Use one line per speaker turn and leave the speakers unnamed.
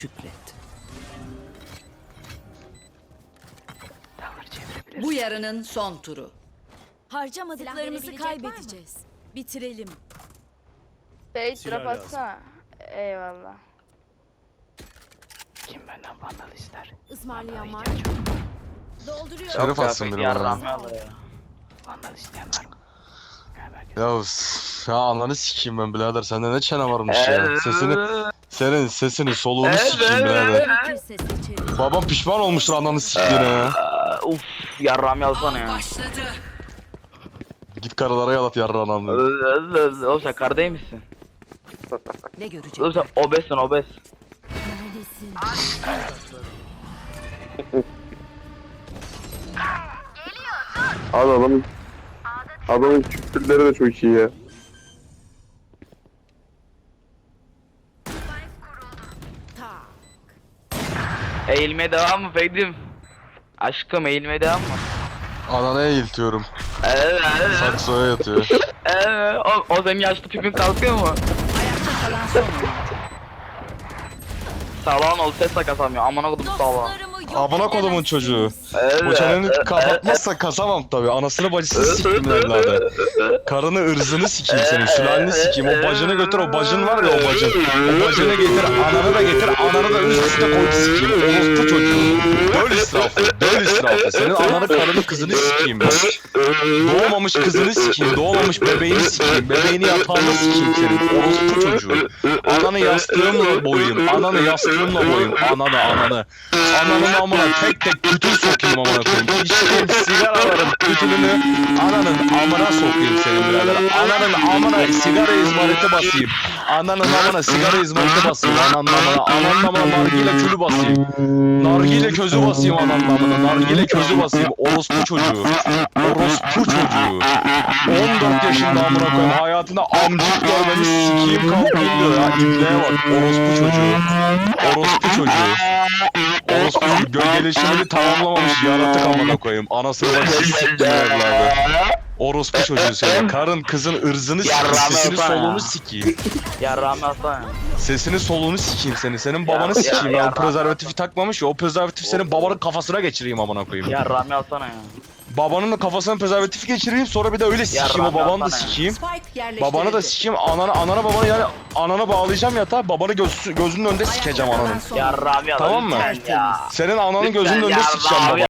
Şükret. Bu yarının son turu.
Harcamadıklarımızı kaybedeceğiz. Bitirelim.
Bey
Silah
drop
lazım.
atsana. Eyvallah.
Kim benden vandal ister?
Ismarlayan var. Dolduruyorum.
Şeref atsın biri bana.
Vandal isteyen var mı?
Ya ananı sikeyim ben birader, sende ne çene varmış ya. Senin sesini soluğunu sikeyim birader.
Gerekirse seçerim.
Babam pişman olmuştur ananı siktiğine ya.
Uf, yarram yazsana ya.
Başladı.
Git karılara yalat yarrağın anını.
Oğlum sen kar değil misin?
Ne görecek?
Oğlum sen obezsin obez.
Neredesin?
Abi adamın küfürleri de çok iyi ya.
Eğilmeye devam mı Feydim? Aşkım eğilmeye devam mı?
Anana eğiltiyorum.
Evet.
Saksoya yatıyor.
O senin yaşlı pipin kalkıyor mu?
Ayakta kalan son oyuncu.
Sağlam ol ses de kasamıyor. Amına kodum sağlam.
Dostlarımı yok
Amına kodumun
edemezsiniz.
çocuğu. O çeneni kapatmazsa kasamam tabi. Anasını bacısını sikeyim evladı. Karını ırzını sikeyim senin. Sülaleni sikeyim. O bacını götür, o bacın var ya o bacın. O bacını getir, ananı da getir. Ananı da üst üste koy sikeyim. Orospu çocuğu. Döl israfı. Döl israfı. Senin ananı, karını, kızını sikeyim ben. Doğmamış kızını sikeyim. Doğmamış bebeğini sikeyim. Bebeğini yatağında sikeyim senin. Orospu çocuğu. Ananı yastığımla boyayım. Ananı yastığımla boyayım. Ananı. Ananın amına tek tek tütün sokayım amına koyayım. İçtiğim sigaraların tütününü ananın amına sokayım senin birader. Ananın amına sigara izmariti basayım. Ananın amına sigara izmariti basayım. Ananın amına nargile külü basayım. Nargile közü basayım ananın amına. Nargile közü basayım. Orospu çocuğu. Orospu çocuğu. 14 yaşında amına koyayım. Hayatında amcık görmemiş sikeyim kalkayım diyor ya. İbneye bak. Orospu çocuğu. Orospu çocuğu. Orospu çocuğu gölgeleşimini tamamlamamış yaratık amına koyayım. Anasını bacısını siktim evladı. Orospu çocuğu senin. Karın kızın ırzını sikeyim. Sesini soluğunu sikeyim.
Yarram yazsana.
Sesini soluğunu sikeyim seni. Senin babanı sikeyim ya. O prezervatifi takmamış ya. O prezervatif senin babanın kafasına geçireyim amına koyayım.
Yarram yazsana ya.
Babanın da kafasına prezervatifi geçireyim, sonra bir de öyle sikeyim, o babanı da sikeyim.
Spike yerleştirildi.
Babanı da sikeyim, anana babanı, yani anana bağlayacağım yatağa, babanı gözünün önünde sikeceğim
Ayakta kalan
ananın.
son
Yarram yazsana.
Tamam mı?
lütfen ya.
Senin ananın gözünün önünde
Lütfen
sikeceğim
yarram
baba.